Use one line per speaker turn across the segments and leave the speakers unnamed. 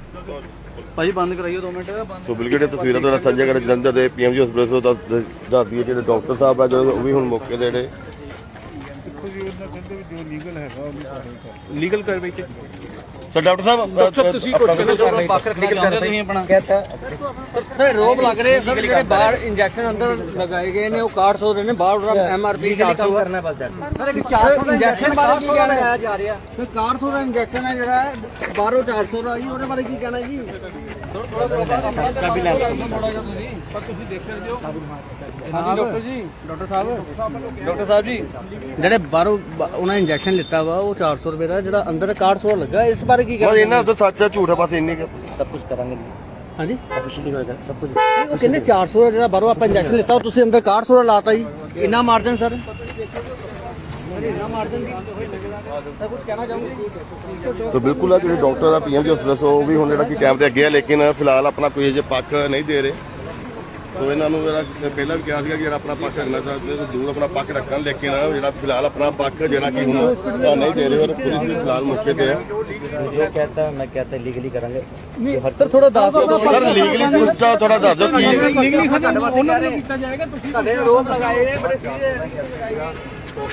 ਭਾਜੀ ਬੰਦ ਕਰਾਈਓ 2 ਮਿੰਟ।
ਸੋ ਬਿਲਕੁਲ ਤਸਵੀਰਾਂ ਤੁਹਾਡਾ ਸਾਂਝਾ ਕਰ ਜਲੰਧਰ ਦੇ ਪੀਐਮਜੀ ਹਸਪਤਾਲ ਤੋਂ ਦੱਸ ਦਈਏ ਜਿਹੜੇ ਡਾਕਟਰ ਸਾਹਿਬ ਆ ਜਿਹੜੇ ਉਹ ਵੀ ਹੁਣ ਮੌਕੇ ਦੇ ਜਿਹੜੇ
ਦੇਖੋ ਜੀ ਉਹਨਾਂ ਕਹਿੰਦੇ ਵੀ ਜੋ ਲੀਗਲ ਹੈਗਾ ਉਹਨੂੰ
ਲੀਗਲ ਕਾਰਵਾਈ ਤੇ
ਸਰ ਡਾਕਟਰ ਸਾਹਿਬ
ਤੁਸੀਂ ਕੁਝ ਪੱਖ ਰੱਖਣਾ ਚਾਹੁੰਦੇ ਤੁਸੀਂ ਆਪਣਾ
ਸਰ ਰੋਬ ਲੱਗ ਰਹੇ ਸਰ ਜਿਹੜੇ ਬਾਹਰ ਇੰਜੈਕਸ਼ਨ ਅੰਦਰ ਲਗਾਏ ਗਏ ਨੇ ਉਹ 400 ਰਹੇ ਨੇ ਬਾਹਰ ਐਮਆਰਪੀ 400 ਕਰਨਾ ਪੜਦਾ ਸਰ 400 ਇੰਜੈਕਸ਼ਨ ਬਾਰੇ ਕੀ ਕਹਿਣਾ ਜਾ ਰਿਹਾ ਸਰ 400 ਦਾ ਇੰਜੈਕਸ਼ਨ ਹੈ ਜਿਹੜਾ ਬਾਹਰੋਂ 400 ਦਾ ਜੀ ਉਹਦੇ ਬਾਰੇ ਕੀ ਕਹਿਣਾ ਜੀ
ਚਾਬੀ ਲੈ ਲਓ ਥੋੜਾ ਜਿਹਾ ਤੁਸੀਂ ਪਰ ਤੁਸੀਂ ਦੇਖ ਸਕਦੇ ਹੋ
ਹਾਂਜੀ ਡਾਕਟਰ ਜੀ ਡਾਕਟਰ ਸਾਹਿਬ ਜੀ ਜਿਹੜੇ ਬਾਹਰੋਂ ਉਹਨਾਂ ਇੰਜੈਕਸ਼ਨ ਲਿੱਤਾ ਵਾ ਉਹ 400 ਰੁਪਏ ਦਾ ਜਿਹੜਾ ਅੰਦਰ 400 ਲੱਗਾ ਇਸ ਬਾਰੇ ਕੀ
ਬਸ
ਕਹਿਣਾ
ਇਹਨਾਂ ਦਾ ਸੱਚ ਹੈ ਝੂਠ ਹੈ ਬਸ ਇੰਨੀ
ਸਭ ਕੁਝ ਕਰਾਂਗੇ ਹਾਂਜੀ ਆਫੀਸ਼ੀਅਲੀ ਹੋਏਗਾ ਸਭ ਕੁਝ ਉਹ ਕਹਿੰਦੇ 400 ਦਾ ਜਿਹੜਾ ਬਾਹਰੋਂ ਆਪਾਂ ਇੰਜੈਕਸ਼ਨ ਲਿੱਤਾ ਉਹ ਤੁਸੀਂ ਅੰਦਰ 400 ਦਾ ਲਾਤਾ ਜੀ ਇੰਨਾ ਮਾਰਜਨ ਸਰ ਇੰਨਾ ਮਾਰਜਨ ਤਾਂ ਕੁਝ ਕਹਿਣਾ ਚਾਹੋਗੇ
ਸੋ ਬਿਲਕੁਲ ਆ ਜਿਹੜੇ ਡਾਕਟਰ ਆ ਪੀਐਮਜੀ ਹਸਪਤਾਲ ਉਹ ਵੀ ਹੁਣ ਜਿਹੜਾ ਕਿ ਕੈਮਰੇ ਅੱਗੇ ਆ ਲੇਕਿਨ ਫਿਲਹਾਲ ਆਪਣਾ ਕੋਈ ਅਜੇ ਪੱਖ ਨਹੀਂ ਦੇ ਰਹੇ। ਸੋ ਇਹਨਾਂ ਨੂੰ ਜਿਹੜਾ ਪਹਿਲਾਂ ਵੀ ਕਿਹਾ ਸੀਗਾ ਕਿ ਜਿਹੜਾ ਆਪਣਾ ਪੱਖ ਰੱਖਣਾ ਚਾਹੁੰਦੇ ਤਾਂ ਜ਼ਰੂਰ ਆਪਣਾ ਪੱਖ ਰੱਖਣ ਲੇਕਿਨ ਜਿਹੜਾ ਫਿਲਹਾਲ ਆਪਣਾ ਪੱਖ ਜਿਹੜਾ ਕਿ ਹੁਣ ਨਹੀਂ ਦੇ ਰਹੇ ਔਰ ਪੁਲਿਸ ਵੀ ਫਿਲਹਾਲ ਮੌਕੇ ਤੇ ਹੈ।
जो कहता है मैं कहता है लीगली करेंगे सर थोड़ा दास
ਸਰ ਲੀਗਲੀ ਕੁਝ ਤਾਂ ਥੋੜਾ ਦੱਸ ਦਿਓ ਕੀ
ਲੀਗਲੀ ਉਹਨਾਂ ਨੂੰ ਕੀਤਾ ਜਾਏਗਾ ਤੁਸੀਂ
ਸਾਡੇ ਰੋਪ ਲਗਾਏ ਨੇ ਬੜੇ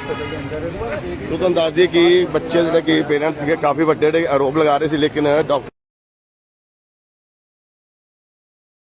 ਸੋ ਤੁਹਾਨੂੰ ਦੱਸ ਦਈਏ ਕਿ ਬੱਚੇ ਜਿਹੜੇ ਕਿ ਪੇਰੈਂਟਸ ਸੀਗੇ ਕਾਫੀ ਵੱਡੇ ਜਿਹੜੇ ਆਰੋਪ ਲਗਾ ਰਹੇ ਸੀ ਲੇਕਿਨ ਡਾਕਟਰ